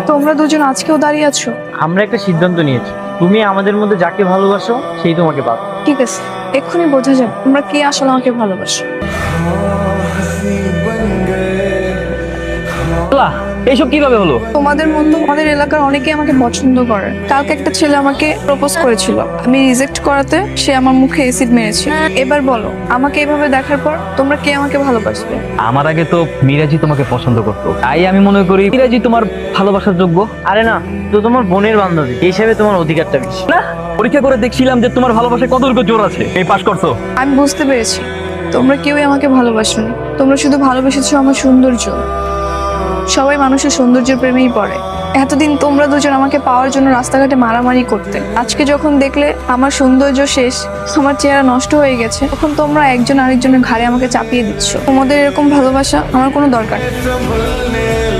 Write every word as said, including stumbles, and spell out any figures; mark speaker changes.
Speaker 1: তোমরা দুজন আজকেও দাঁড়িয়ে আছো?
Speaker 2: আমরা একটা সিদ্ধান্ত নিয়েছি, তুমি আমাদের মধ্যে যাকে ভালোবাসো সেই তোমাকে পাবে।
Speaker 1: ঠিক আছে, এক্ষুনি বোঝা যাবে তোমরা কে আসলে আমাকে ভালোবাসো।
Speaker 3: এইসব কিভাবে হলো?
Speaker 1: তোমাদের মতো আমাদের এলাকার অনেকেই আমাকে পছন্দ করে। কালকে একটা ছেলে আমাকে প্রপোজ করেছিল, আমি রিজেক্ট করাতে সে আমার মুখে অ্যাসিড মেরেছে। এবার বলো, আমাকে এভাবে দেখার পর তোমরা কে আমাকে ভালোবাসবে?
Speaker 3: আমার আগে তো মিরাজি তোমাকে পছন্দ করতো, তাই আমি মনে করি মিরাজি তোমার ভালোবাসার যোগ্য।
Speaker 2: আরে না, তো তোমার বোনের বান্ধবী, এই হিসাবে তোমার অধিকারটা বেশি।
Speaker 3: না, পরীক্ষা করে দেখছিলাম যে তোমার ভালোবাসায় কতটুকু জোর আছে। এই পাস করছো।
Speaker 1: আমি বুঝতে পেরেছি তোমরা কেউই আমাকে ভালোবাসোনি, তোমরা শুধু ভালোবেসেছো আমার সৌন্দর্য। সবাই মানুষের সৌন্দর্যের প্রেমেই পড়ে। এতদিন তোমরা দুজন আমাকে পাওয়ার জন্য রাস্তাঘাটে মারামারি করতে, আজকে যখন দেখলে আমার সৌন্দর্য শেষ, আমার চেহারা নষ্ট হয়ে গেছে, তখন তোমরা একজন আরেকজনের ঘাড়ে আমাকে চাপিয়ে দিচ্ছ। তোমাদের এরকম ভালোবাসা আমার কোনো দরকার নেই।